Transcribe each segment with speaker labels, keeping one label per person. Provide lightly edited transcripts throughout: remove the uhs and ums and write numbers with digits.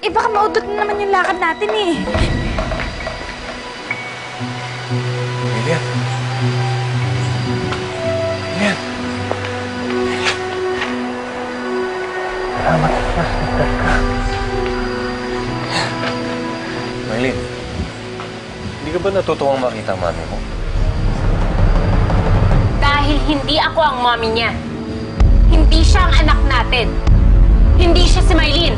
Speaker 1: Eh, baka maudot na naman yung lakad natin eh.
Speaker 2: Lilian. Lilian. Salamat sa nagdag ka. Maylin, hindi ka ba natutuwang makita ang mami mo?
Speaker 3: Dahil hindi ako ang mommy niya. Hindi siya ang anak natin. Hindi siya si Maylin.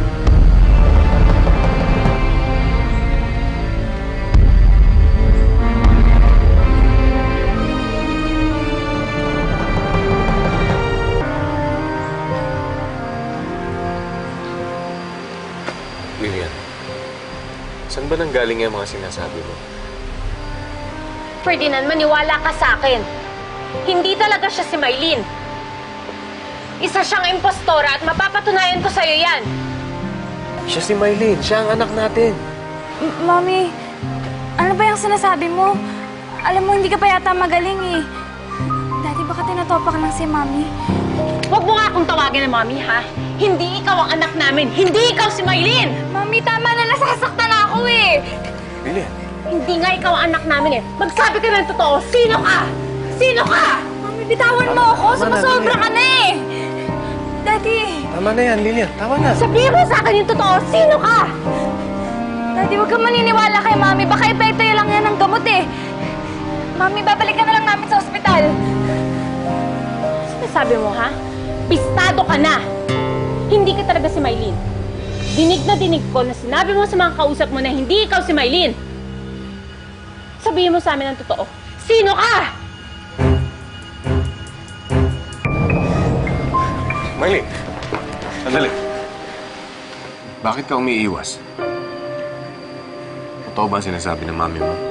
Speaker 2: Lilian, saan ba nanggaling yung mga sinasabi mo?
Speaker 3: Ferdinand, maniwala ka sa akin. Hindi talaga siya si Maylin. Isa siyang impostora at mapapatunayan ko sa'yo yan.
Speaker 2: Siya si Maylin. Siya ang anak natin.
Speaker 1: Mommy, ano ba yung sinasabi mo? Alam mo, hindi ka pa yata magaling eh. Daddy, baka tinatopak lang si Mommy.
Speaker 3: Huwag mo nga akong tawagin na mommy, ha? Hindi ikaw ang anak namin. Hindi ikaw si Maylin!
Speaker 1: Mommy, tama na, nasasaktan ako eh.
Speaker 2: Lilian.
Speaker 3: Hindi nga ikaw ang anak namin eh. Magsabi ka ng totoo. Sino ka? Sino ka?
Speaker 1: Mommy, bitawan mo ako.
Speaker 2: Tama na,
Speaker 1: Sumasobra
Speaker 2: Lilian.
Speaker 1: ka na eh. Daddy.
Speaker 2: Tama na yan, Lilian. Tama na.
Speaker 3: Sabihin mo sa akin yung totoo. Sino ka?
Speaker 1: Daddy, huwag kang maniniwala kay Mommy. Baka epekto lang yan ng gamot eh. Mommy, babalik ka na lang namin sa ospital.
Speaker 3: Sabi mo, ha? Pistado ka na! Hindi ka talaga si Maylin. Dinig na dinig ko na sinabi mo sa mga kausap mo na hindi ikaw si Maylin. Sabihin mo sa amin ang totoo. Sino ka?
Speaker 2: Maylin, sandali. Bakit ka umiiwas? Totoo ba ang sinasabi ng mami mo?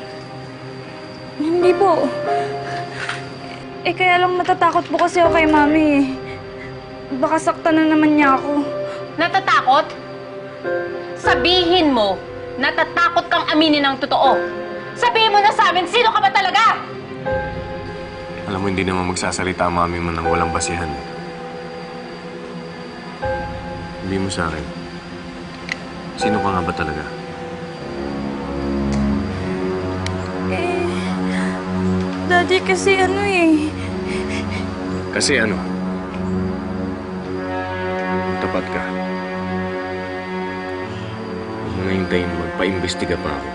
Speaker 1: Hindi po. Eh, kaya lang natatakot po kasi ako kay Mami eh. Baka saktan na naman niya ako.
Speaker 3: Natatakot? Sabihin mo, natatakot kang aminin ang totoo. Sabihin mo na sa amin, sino ka ba talaga?
Speaker 2: Alam mo, hindi naman magsasalita ang mami mo nang walang basihan. Hindi mo sa akin. Sino ka nga ba talaga?
Speaker 1: Daddy, kasi ano eh.
Speaker 2: Kasi ano? Tapat ka. Huwag mo na hintayin magpa-imbestiga pa ako.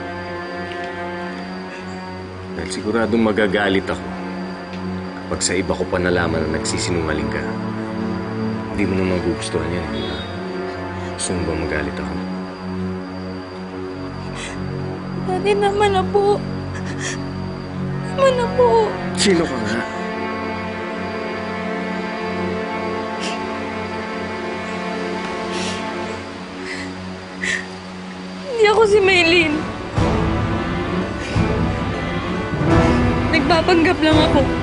Speaker 2: Dahil siguradong magagalit ako kapag sa iba ko pa nalaman na nagsisinungaling ka. Hindi mo na magugustuhan yan, di ba? Gusto mo ba magalit ako?
Speaker 1: Daddy, naman na po. Naman na po.
Speaker 2: Sino ka nga?
Speaker 1: Hindi ako si Maylin. Nagpapanggap lang ako.